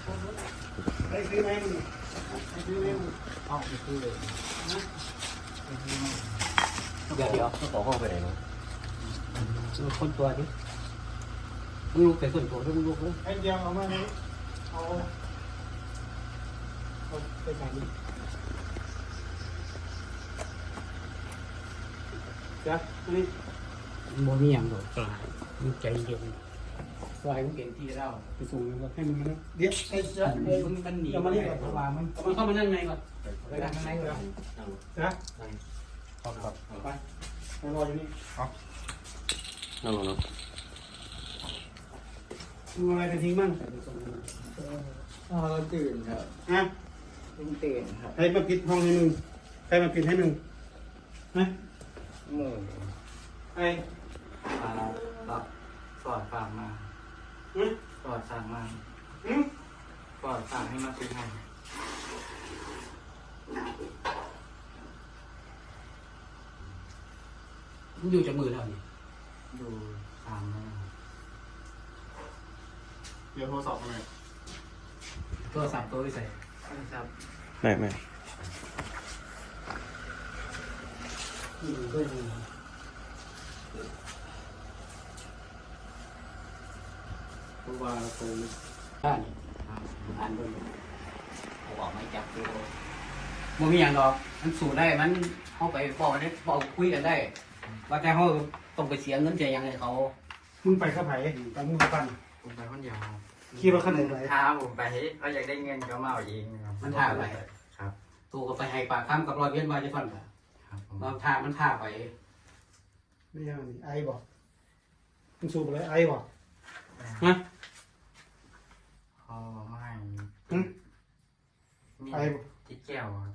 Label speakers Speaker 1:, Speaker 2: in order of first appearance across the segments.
Speaker 1: ได้ซื้อไหมมึงได้ซื้อไหมมึง
Speaker 2: เอาไปซื้อเลยนะ
Speaker 3: เดี๋ยวก็ขอห้องไปไหนมั้ง
Speaker 2: คนตัวดิมึงลูกแต่ส่วนตัวด้วยมึงลูกเลย
Speaker 1: ไอ้เดียวเอามาเลยเอาไปใส่ดิจ้ะนี่
Speaker 2: โมนี่ยังหรอกกลายมึงใจเย็นซอยมึงเก่งที่เรา
Speaker 1: ไปส่งแล้วให้มันมาเดี๋ยวไอ้จ้ะ
Speaker 2: มึงมันหนี
Speaker 1: เอามานี่ก่อนเอาวางมัน
Speaker 2: มันเข้ามานั่งในก่อนไปนั่งข้างในก่อน
Speaker 1: จ้ะ
Speaker 3: ครับ
Speaker 1: ไปไปรออยู่นี่
Speaker 3: นั่งลงเนาะ
Speaker 1: มึงอะไรไปทิ้งมั่ง
Speaker 4: เราตื่นครับ
Speaker 1: ฮะ
Speaker 4: เพิ่งตื่นครับ
Speaker 1: ใครมาปิดห้องให้มึงใครมาปิดให้มึงฮะ
Speaker 4: หมู
Speaker 1: ไอ้
Speaker 4: ปลาแบบสอดฝากมา
Speaker 1: ฮะ
Speaker 4: สอดสั่งมา
Speaker 1: อืม
Speaker 4: สอดสั่งให้มาซื้อให้
Speaker 2: มึงอยู่จากมือเราเนี่ย
Speaker 4: ดูสั่งมา
Speaker 1: เดี๋ยวโทรศัพท์มาหน่อย
Speaker 2: ตัวสามตัวไปใส่
Speaker 4: ครับ
Speaker 3: ไม่
Speaker 2: นี่มึงก็ยัง
Speaker 1: เพราะว่าตรง
Speaker 2: ได้นี่อ่านดูเขาบอกไม่จับตัวบ่มีอย่างดอกมันสู้ได้มันเข้าไปบอกได้บอกคุยกันได้ ว่าแต่เขาต้องไปเสียเงินเสียยังไงเขา
Speaker 1: มึงไปข้าไผ่ไปมึงไปปั้น
Speaker 4: ผมไปคนเดียว
Speaker 1: ขี่รถคันไหนไป
Speaker 4: ท้าผมไปเขาอยากได้เงินเขามาเอาเองครับ
Speaker 2: มันท่าไป
Speaker 4: ครับ
Speaker 2: ตัวก็ไปให้ปากคำกับรอยเวียนวาจะฟันกัน
Speaker 4: ครับผม
Speaker 2: บางท่ามันท่าไป
Speaker 1: ไม่ใช่นี่ไอ้บอกมึงสูบอะไรไอ้บอก
Speaker 2: ฮะ
Speaker 4: เขาไม่
Speaker 1: อืม
Speaker 4: มี
Speaker 1: ไอ้บอก
Speaker 4: ที่แก้วครับ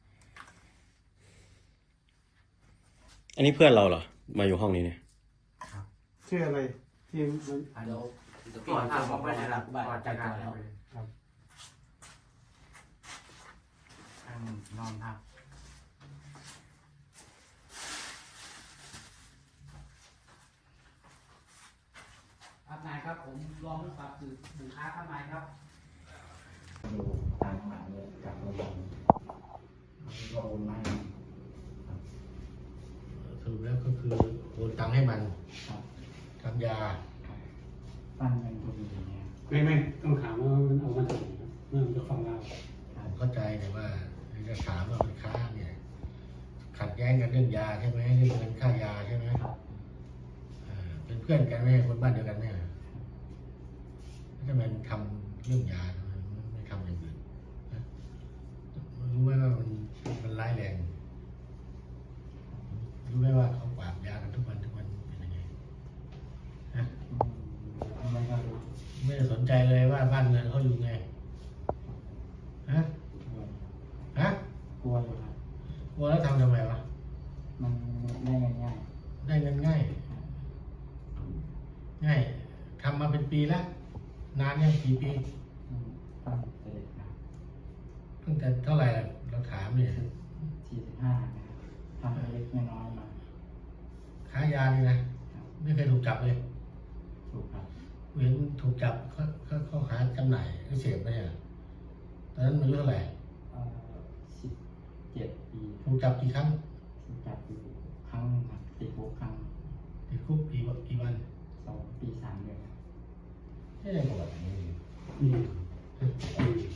Speaker 3: อันนี้เพื่อนเราเหรอมาอยู่ห้องนี้เนี่ย
Speaker 1: ชื่ออะไรที่มัน
Speaker 2: เดี๋ยว
Speaker 4: ก่อนทำผมไป
Speaker 2: ห
Speaker 4: นะค
Speaker 2: ลั
Speaker 4: รั
Speaker 2: บบ บ้าน
Speaker 4: ก่อน
Speaker 2: จั
Speaker 4: จะ
Speaker 2: ด
Speaker 4: กา
Speaker 2: การ
Speaker 4: ร
Speaker 2: แล้ว
Speaker 1: ครับ
Speaker 4: นอนพัก
Speaker 2: ครับนายครับผมรองผู้ฝากสื่อสินค้าครับนายครับ
Speaker 4: อยู่ต่างจังหวัดเลยกับโรงพยาบาลก็โอนมาให้
Speaker 5: สรุปแล้วก็คือโอนตังค์ให้มัน
Speaker 4: ครับ
Speaker 5: ทำยา
Speaker 4: ปั้นเงินพอดีเนี่ย
Speaker 1: ไม่ต้องถามว่ามันเอามาจากไหนเมื่อมันจะฟังเรา
Speaker 5: ผมเข้าใจแต่ว่าจะถามว่ามันค้าเนี่ยขัดแย้งกันเรื่องยาใช่ไหมเรื่องเงินค่ายาใช่ไหม
Speaker 4: ครับ
Speaker 5: เป็นเพื่อนกันไหมคนบ้านเดียวกันเนี่ยแล้วทำไมมันทำเรื่องยาทำไมไม่ทำอย่างอื่นนะรู้ไหมว่ามันร้ายแรงรู้ไหมว่าเขาปราบยากันทุกวันเป็นยังไงนะ
Speaker 4: ไม่ก็รู้
Speaker 5: ไม่ได้สนใจเลยว่าบ้านเงินเขาอยู่ไงฮะฮะ
Speaker 4: กลัวอยู่ครับ
Speaker 5: กลัวแล้วทำไมวะ
Speaker 4: มันได้ง่าย
Speaker 5: ได้เงินง่ายทำมาเป็นปีแล้วนานยังกี่ปี
Speaker 4: ๆตั้งแต่เด็กนะ
Speaker 5: ตั้งแต่เท่าไหร่ล่ะเราถามเนี่ย
Speaker 4: 45นะครับทำเล็กๆน้อยๆมา
Speaker 5: ค้ายานี่นะไม่เคยถูกจับเลย
Speaker 4: ถูกครับ
Speaker 5: เห็นถูกจับเขาหาจำหน่ายก็เสพไปเนี่ยตอนนั้นอายุเท่าไหร่
Speaker 4: 17 ปี
Speaker 5: ถูกจับกี่ครั้ง
Speaker 4: ถูกจับอยู่ครั้งหนึ่งครับติดคุกครั้ง
Speaker 5: ติดคุกกี่วัน
Speaker 4: 2 ปี 3 เดือนครับ
Speaker 5: ไม่ได้ประวัตินี้
Speaker 1: อืม